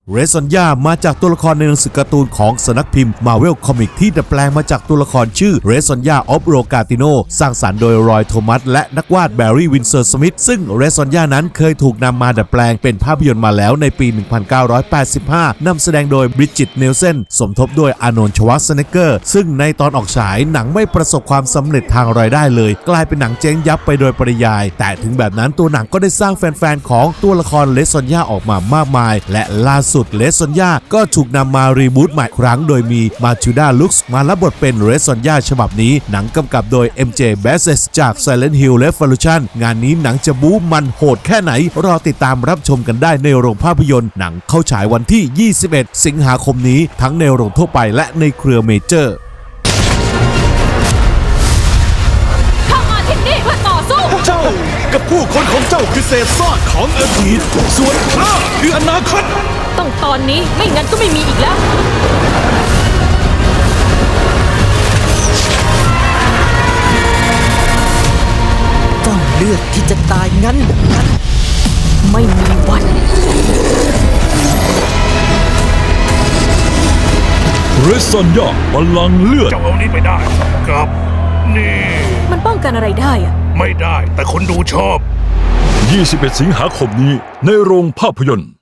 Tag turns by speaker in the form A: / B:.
A: เรซอนย่ามาจากตัวละครในหนังสือการ์ตูนของสำนักพิมพ์ Marvel Comics ที่ดัดแปลงมาจากตัวละครชื่อเรซอนย่าออฟโรกาติโนสร้างสรรค์โดยรอยโทมัสและนักวาดแบร์รี่วินเซอร์สมิธซึ่งเรซอนย่านั้นเคยถูกนำมาดัดแปลงเป็นภาพยนตร์มาแล้วในปี 1985 นำแสดงโดยบริดจิตเนลเซนสมทบด้วยอาร์โนลด์ ชวาร์ซเนกเกอร์ซึ่งในตอนออกฉายหนังไม่ประสบความสำเร็จทางรายได้เลยกลายเป็นหนังเจ๊งยับไปโดยปริยายแต่ถึงแบบนั้นตัวหนังก็ได้สร้างแฟนๆของตัวละครเรซอนย่าออกมามากมายและล่าสุดเรซอนย่าก็ถูกนำมารีบูตใหม่ครั้งโดยมีมาทิลดาลุคส์มารับบทเป็นเรซอนย่าฉบับนี้หนังกำกับโดย MJ Bassett จาก Silent Hill Revolution งานนี้หนังจะบู๊มันโหดแค่ไหนรอติดตามรับชมกันได้ในโรงภาพยนตร์หนังเข้าฉายวันที่ 21 สิงหาคมนี้ทั้งในโรงทั่วไปและในเครือเมเจอร์
B: เข้ามาที่นี่เพื่อต่อสู้
C: เจ้ากับผู้คนของเจ้าคือเศษซากของอดีตส่วนข้าคืออนาคต
B: ต้องตอนนี้ไม่งั้นก็ไม่มีอีกแล้ว
D: เจ้าเลือกที่จะตายงั้น
B: ไม่มีวัน
E: เรซอนย่าพลังเลือด
C: เจ้าเอานี้ไปได้กับนี่
B: มันป้องกันอะไรได้อะ
C: ไม่ได้แต่คนดูชอบ
E: 21 สิงหาคมนี้ในโรงภาพยนตร์